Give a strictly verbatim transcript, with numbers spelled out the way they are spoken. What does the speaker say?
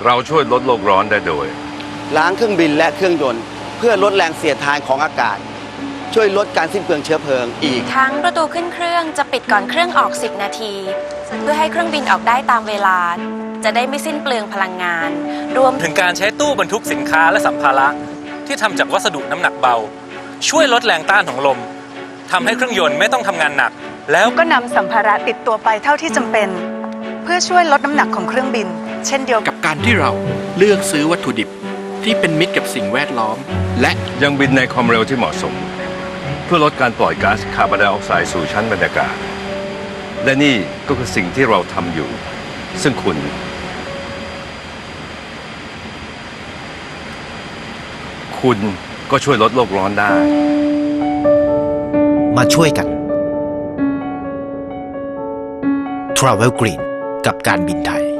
เราช่วยลดโลกร้อนได้โดยล้างเครื่องบินและเครื่องยนต์เพื่อลดแรงเสียดทานของอากาศช่วยลดการสิ้นเปลืองเชื้อเพลิงอีกทั้งประตูขึ้นเครื่องจะปิดก่อนเครื่องออกสิบนาทีเพื่อให้เครื่องบินออกได้ตามเวลาจะได้ไม่สิ้นเปลืองพลังงานรวมถึงการใช้ตู้บรรทุกสินค้าและสัมภาระที่ทำจากวัสดุน้ำหนักเบาช่วยลดแรงต้านของลมทำให้เครื่องยนต์ไม่ต้องทำงานหนักแล้วก็นำสัมภาระติดตัวไปเท่าที่จำเป็นเพื่อช่วยลดน้ำหนักของเครื่องบินเช่นเดียวกับการที่เราเลือกซื้อวัตถุดิบที่เป็นมิตรกับสิ่งแวดล้อมและยังบินในความเร็วที่เหมาะสมเพื่อลดการปล่อยก๊าซคาร์บอนไดออกไซด์สู่ชั้นบรรยากาศและนี่ก็คือสิ่งที่เราทำอยู่ซึ่งคุณคุณก็ช่วยลดโลกร้อนได้มาช่วยกัน Travel Green กับการบินไทย